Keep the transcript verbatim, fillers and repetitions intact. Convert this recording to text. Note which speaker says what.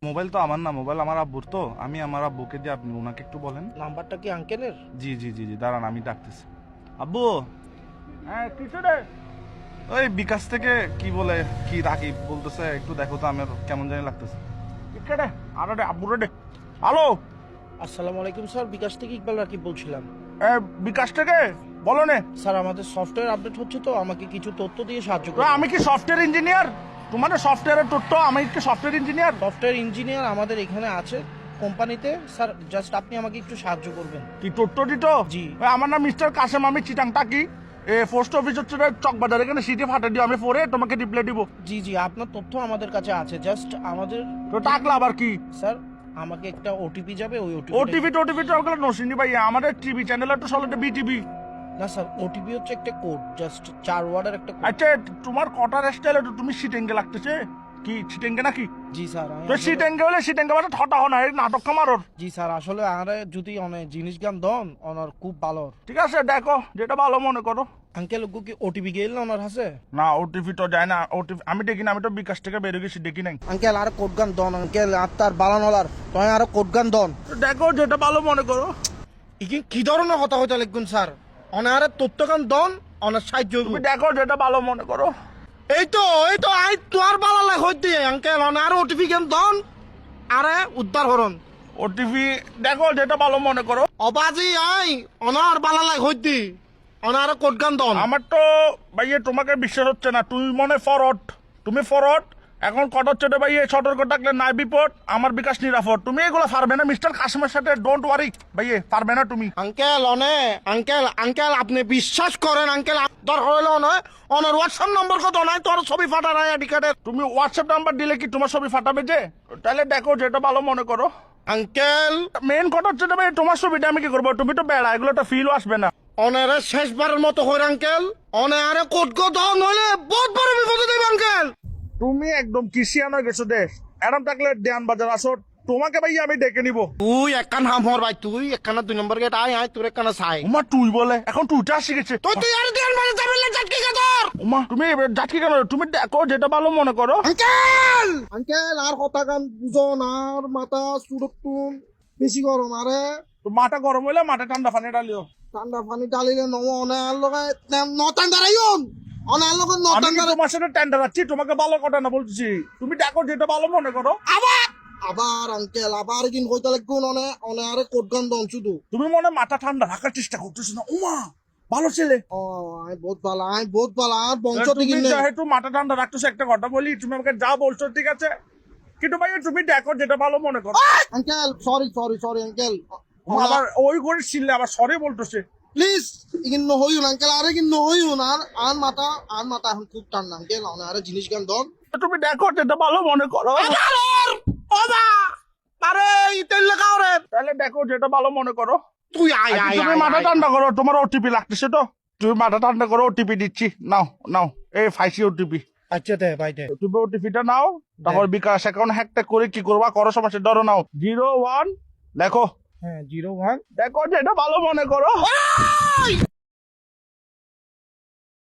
Speaker 1: Mobile তো আমার না, মোবাইল আমার আব্বুর, তো আমি আমার আব্বুকে দিয়ে, আপনি ওনাকে একটু বলেন।
Speaker 2: নাম্বারটা কি আঙ্কেলের?
Speaker 1: জি জি জি জি দাঁড়ান, আমি ডাকতেছি। আব্বু,
Speaker 2: হ্যাঁ কিছু রে।
Speaker 1: ওই বিকাশ থেকে কি বলে কি রাখি বলতেছে, একটু দেখো তো, আমার কেমন জানি লাগতেছে।
Speaker 2: রে আরে রে আব্বু রে। হ্যালো, আসসালামু আলাইকুম স্যার, বিকাশ থেকে ইকবাল রাকিব বলছিলাম।
Speaker 1: বিকাশ থেকে বলো নে।
Speaker 2: স্যার আমাদের সফটওয়্যার আপডেট হচ্ছে, তো আমাকে কিছু তথ্য দিয়ে সাহায্য করুন।
Speaker 1: আমি কি সফটওয়্যার ইঞ্জিনিয়ার? তোমাদের সফটওয়্যারের তথ্য, আমি কি সফটওয়্যার ইঞ্জিনিয়ার?
Speaker 2: সফটওয়্যার ইঞ্জিনিয়ার আমাদের এখানে আছে কোম্পানিতে। স্যার জাস্ট আপনি আমাকে একটু সাহায্য করবেন।
Speaker 1: কি তথ্য দিত?
Speaker 2: জি।
Speaker 1: আমার নাম মিস্টার কাসেম, আমি চিটাং টাকি। এ পোস্ট অফিস হচ্ছে চকবাজার, এখানে সিটি ফাটা দিও, আমি পরে তোমাকে রিপ্লাই দিব।
Speaker 2: জি জি আপনার তথ্য আমাদের কাছে আছে, জাস্ট আমাদের
Speaker 1: তো টাকলা আবার কি?
Speaker 2: স্যার আমাকে একটা ওটিপি যাবে, ওই ওটিপি।
Speaker 1: ওটিভি টোটিভি তো ওগুলো নসিনি ভাই, আমাদের টিভি চ্যানেল তো চলে বিটিভি।
Speaker 2: না স্যার, ওটিপি হচ্ছে একটা কোড, জাস্ট চার ওয়ার্ডের একটা কোড।
Speaker 1: আচ্ছা, তোমার কটার স্টাইল তুমি সিটেঙ্গে লাগতেছে কি? সিটেঙ্গে নাকি?
Speaker 2: জি স্যার।
Speaker 1: তো সিটেঙ্গে হলে সিটেঙ্গে মানে ঠটা হনা, এই নাটক কামারর।
Speaker 2: জি স্যার, আসলে আরে যদি অনেক জিনিস গান দন ওনার খুব ভালো।
Speaker 1: ঠিক আছে, দেখো যেটা ভালো মনে করো।
Speaker 2: আঙ্কেল ওগো কি ওটিপি গেল না ওনার হাসে?
Speaker 1: না, ওটিভি তো যায় না, ওটিভি আমি দেখি না, আমি তো বিকাশ থেকে বেরিয়ে গেছি, দেখি নাই।
Speaker 2: আঙ্কেল আর কোড গান দন, আঙ্কেল আত্মার বালানলার তুমি আর কোড গান দন।
Speaker 1: দেখো যেটা ভালো মনে করো।
Speaker 2: ইকি কি ধরনের কথা হইতা লিখুন স্যার, অনার তথ্য গান দন, অনার সাহায্য
Speaker 1: তুমি দেখো যেটা ভালো মনে করো।
Speaker 2: এই তো এই তো আই তোর বালা লাগ হইতে আঙ্কেল অনার ওটিপি গান দন, আরে উদ্ধার হরন।
Speaker 1: ওটিভি দেখো যেটা ভালো মনে করো।
Speaker 2: অবাজি আই অনার বালা লাগ হইতে অনার কোড গান দন।
Speaker 1: আমার তো ভাইয়ে তোমাকে বিশ্বাস হচ্ছে না, তুমি মনে ফরওয়ার্ড, তুমি ফরওয়ার্ড। এখন কট হচ্ছে রে ভাইয়ে, সতর্ক থাকলে নাই বিপদ, আমার বিকাশ নিরাপদ। তুমি এগুলো পারবে না মিস্টার কাসিমের সাথে, ডোন্ট ওয়ারি ভাইয়ে, পারবে না তুমি।
Speaker 2: আঙ্কেল অনে আঙ্কেল আঙ্কেল আপনি বিশ্বাস করেন আঙ্কেল, দর হইল নয় অনার হোয়াটসঅ্যাপ নম্বর কত নাই তোর ছবি ফাটা নাই আইডি কার্ডের।
Speaker 1: তুমি হোয়াটসঅ্যাপ নাম্বার দিলে কি তোমার ছবি ফাটাবে যে? তাহলে দেখো যেটা ভালো মনে করো।
Speaker 2: আঙ্কেল
Speaker 1: মেন কথা হচ্ছে ভাই, তোমার ছবিটা আমি কি করবো? তুমি তো বেড়া, এগুলো তো ফিলও আসবে না।
Speaker 2: অনারে শেষবারের মতো হইর আঙ্কেল, অনে আরে কোট কো দাও নইলে বহুত বড় বিপদে দেব আঙ্কেল।
Speaker 1: তুমি একদম কিসিয়ান হয়ে গেছো দেশ। এরম থাকলে দেয়ান বাজার আসো, তোমাকে ভাই আমি ডেকে নিবো।
Speaker 2: তুই একখান হাম হর ভাই, তুই একখানা দুই নম্বর গেট আয় আয়, তোর একখানা চাই।
Speaker 1: উমা তুই বলে, এখন তুইটা শিখেছে।
Speaker 2: তুই তুই আর দেন মানে যাবেন না জাটকি কে তোর।
Speaker 1: উমা তুমি যাচ্ছি কেন? তুমি দেখো যেটা ভালো মনে করো।
Speaker 2: আঙ্কেল আঙ্কেল আর কথা গান বুঝো না, আর মাথা সুরক্ষুন বেশি গরম, আরে
Speaker 1: তো মাথা গরম হইলে মাথা ঠান্ডা পানি ডালিও।
Speaker 2: ঠান্ডা পানি ডালিলে নম অনে আর লগে নটান দাঁড়াইন, অনে আর লগে
Speaker 1: আমি
Speaker 2: নটান
Speaker 1: কি
Speaker 2: দাঁড়াই।
Speaker 1: তোমার সাথে টেন্ডার আছি? তোমাকে ভালো কথা না বলছি, তুমি দেখো যেটা ভালো মনে করো।
Speaker 2: আবার আবার আঙ্কেল আবার কিন কইতে লাগুন, অনে অনে আরে কোট গান দন শুধু।
Speaker 1: তুমি মনে হয় মাথা ঠান্ডা রাখার চেষ্টা করতেছো না। উমা ভালো ছেলে,
Speaker 2: ও আই বহুত ভালো, আই বহুত ভালো, আর বংশ
Speaker 1: তুমি
Speaker 2: থেকে নেই।
Speaker 1: যেহেতু মাথা ঠান্ডা রাখতেছো, একটা কথা বলি, তুমি আমাকে যা বলছো ঠিক আছে, কিন্তু ভাই তুমি দেখো যেটা ভালো মনে করো।
Speaker 2: Uncle sorry sorry sorry uncle,
Speaker 1: আবার ওই করে ছিললে আবার সরি বলতেছে।
Speaker 2: প্লিজ ইগিন নহইউন আঙ্কেল, আরে কিন নহইউন, আর আর মাথা আর মাথা এখন খুব ঠান্ডা আঙ্কেল, অনে আরে জিনিস গান দন।
Speaker 1: তুমি দেখো যেটা ভালো মনে করো।
Speaker 2: ওবা আরে ইতেল লাগাওরে,
Speaker 1: তাহলে দেখো যেটা ভালো মনে করো।
Speaker 2: তুই আয়
Speaker 1: আচ্ছা,
Speaker 2: আয়
Speaker 1: তুমি মাথা ঠান্ডা করো, তোমার ওটিপি লাগতেছে তো, তুমি মাথা ঠান্ডা করো, ওটিপি দিচ্ছি, নাও নাও, এই ফাইসি ওটিপি।
Speaker 2: আচ্ছা দে ভাই দে।
Speaker 1: তুমি ওটিপিটা নাও, তারপর বিকাশ অ্যাকাউন্ট হ্যাকটা করে কি করবা করো, সমস্যা ধরো, নাও জিরো ওয়ান লেখো।
Speaker 2: হ্যাঁ জিরো ওয়ান,
Speaker 1: দেখো যেটা ভালো মনে করো।